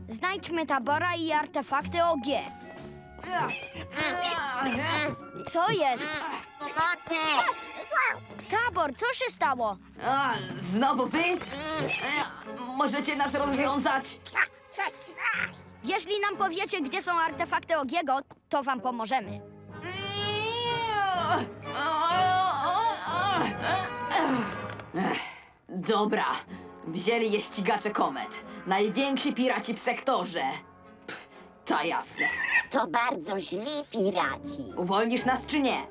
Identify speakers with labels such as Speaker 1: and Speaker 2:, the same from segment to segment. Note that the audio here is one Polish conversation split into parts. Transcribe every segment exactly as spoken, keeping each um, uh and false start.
Speaker 1: Znajdźmy Tabora i artefakty O G. Co jest?
Speaker 2: Pomocy!
Speaker 1: Tabor, co się stało?
Speaker 3: A, znowu wy? E, Możecie nas rozwiązać?
Speaker 1: Jeśli nam powiecie, gdzie są artefakty Ogiego, to wam pomożemy.
Speaker 3: Ech, Dobra, wzięli je ścigacze komet. Najwięksi piraci w sektorze. Pff, ta jasne.
Speaker 2: To bardzo źli piraci.
Speaker 3: Uwolnisz nas czy nie?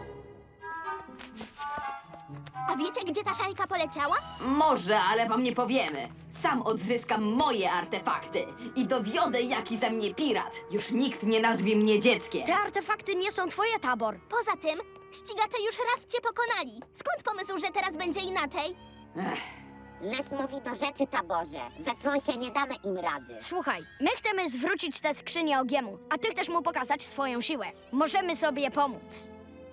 Speaker 4: A wiecie, gdzie ta szajka poleciała?
Speaker 3: Może, ale wam nie powiemy. Sam odzyskam moje artefakty i dowiodę, jaki ze mnie pirat. Już nikt nie nazwie mnie dzieckiem.
Speaker 1: Te artefakty nie są twoje, Tabor.
Speaker 4: Poza tym, ścigacze już raz cię pokonali. Skąd pomysł, że teraz będzie inaczej?
Speaker 3: Ech,
Speaker 2: Les mówi do rzeczy, Taborze. We trójkę nie damy im rady.
Speaker 1: Słuchaj, my chcemy zwrócić tę skrzynię Ogiemu, a ty chcesz mu pokazać swoją siłę. Możemy sobie pomóc.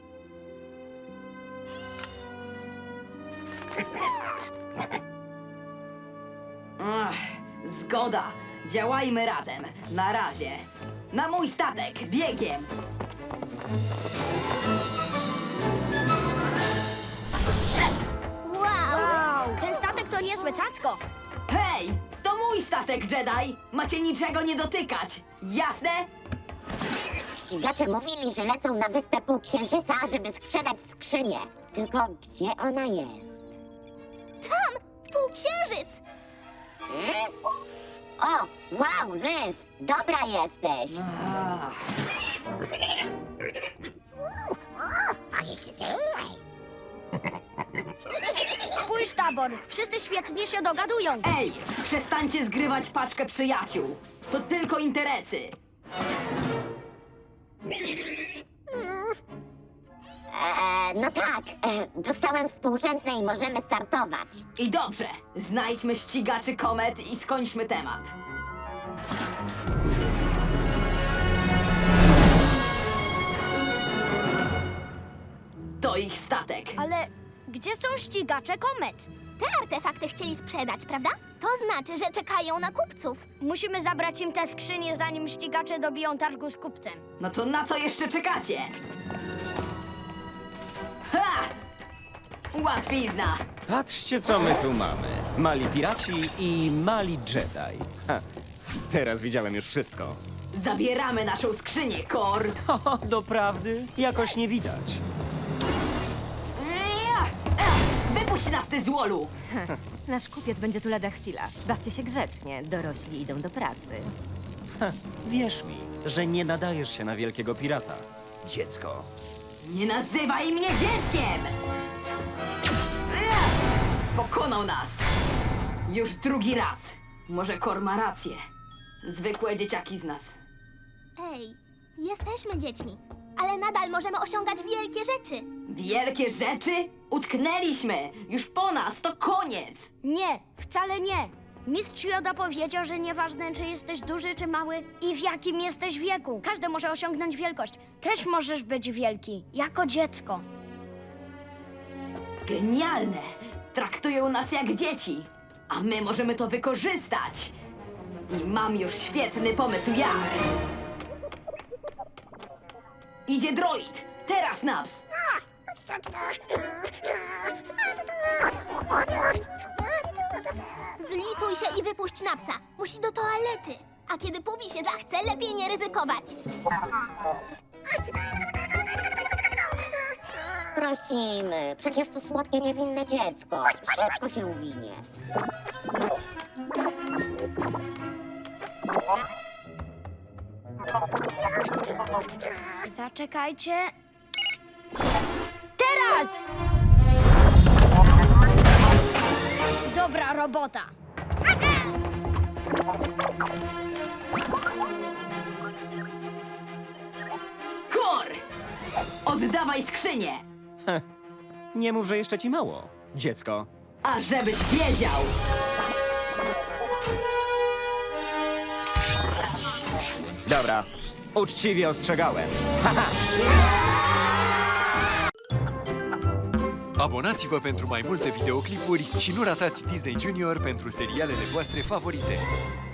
Speaker 3: ach, zgoda. Działajmy razem. Na razie. Na mój statek, biegiem.
Speaker 4: Wow!
Speaker 1: Wow, ten statek to niezłe cacko.
Speaker 3: Hej, to mój statek, Jedi. Macie niczego nie dotykać. Jasne?
Speaker 2: Ścigacze mówili, że lecą na wyspę Półksiężyca, żeby sprzedać skrzynię. Tylko gdzie ona jest?
Speaker 4: Półksiężyc!
Speaker 2: Hmm? O, wow, Les, dobra jesteś.
Speaker 3: Ach.
Speaker 1: Spójrz, Tabor, wszyscy świetnie się dogadują.
Speaker 3: Ej, przestańcie zgrywać paczkę przyjaciół. To tylko interesy.
Speaker 2: Eee, no tak, e, dostałem współrzędne i możemy startować.
Speaker 3: I dobrze, znajdźmy ścigaczy komet i skończmy temat. To ich statek.
Speaker 1: Ale gdzie są ścigacze komet?
Speaker 4: Te artefakty chcieli sprzedać, prawda? To znaczy, że czekają na kupców.
Speaker 1: Musimy zabrać im tę skrzynię, zanim ścigacze dobiją targu z kupcem.
Speaker 3: No to na co jeszcze czekacie? Ha! Łatwizna!
Speaker 5: Patrzcie, co my tu mamy. Mali piraci i mali Jedi. Ha, teraz widziałem już wszystko.
Speaker 3: Zabieramy naszą skrzynię, Kor!
Speaker 5: Ho, doprawdy? Jakoś nie widać.
Speaker 3: Wypuść nas, ty złolu!
Speaker 6: Nasz kupiec będzie tu lada chwila. Bawcie się grzecznie, dorośli idą do pracy.
Speaker 5: Wierz mi, że nie nadajesz się na wielkiego pirata. Dziecko.
Speaker 3: Nie nazywaj mnie dzieckiem! Pokonał nas! Już drugi raz. Może Kor ma rację. Zwykłe dzieciaki z nas.
Speaker 4: Ej, jesteśmy dziećmi, ale nadal możemy osiągać wielkie rzeczy.
Speaker 3: Wielkie rzeczy? Utknęliśmy! Już po nas, to koniec!
Speaker 1: Nie, wcale nie. Mistrz Joda powiedział, że nieważne, czy jesteś duży, czy mały i w jakim jesteś wieku. Każdy może osiągnąć wielkość. Też możesz być wielki, jako dziecko.
Speaker 3: Genialne! Traktują nas jak dzieci, a my możemy to wykorzystać. I mam już świetny pomysł jak. Idzie droid! Teraz, Naps!
Speaker 4: Zlituj się i wypuść Napsa. Musi do toalety. A kiedy Pubi się zachce, lepiej nie ryzykować.
Speaker 2: Prosimy, przecież to słodkie, niewinne dziecko. Szybko się uwinie.
Speaker 1: Zaczekajcie. Teraz! Dobra robota.
Speaker 3: Kor! Oddawaj skrzynię!
Speaker 5: Nie mów, że jeszcze ci mało. Dziecko.
Speaker 3: A żebyś wiedział!
Speaker 5: Dobra, uczciwie ostrzegałem.
Speaker 7: Abonați-vă pentru mai multe videoclipuri și nu ratați Disney Junior pentru serialele voastre favorite.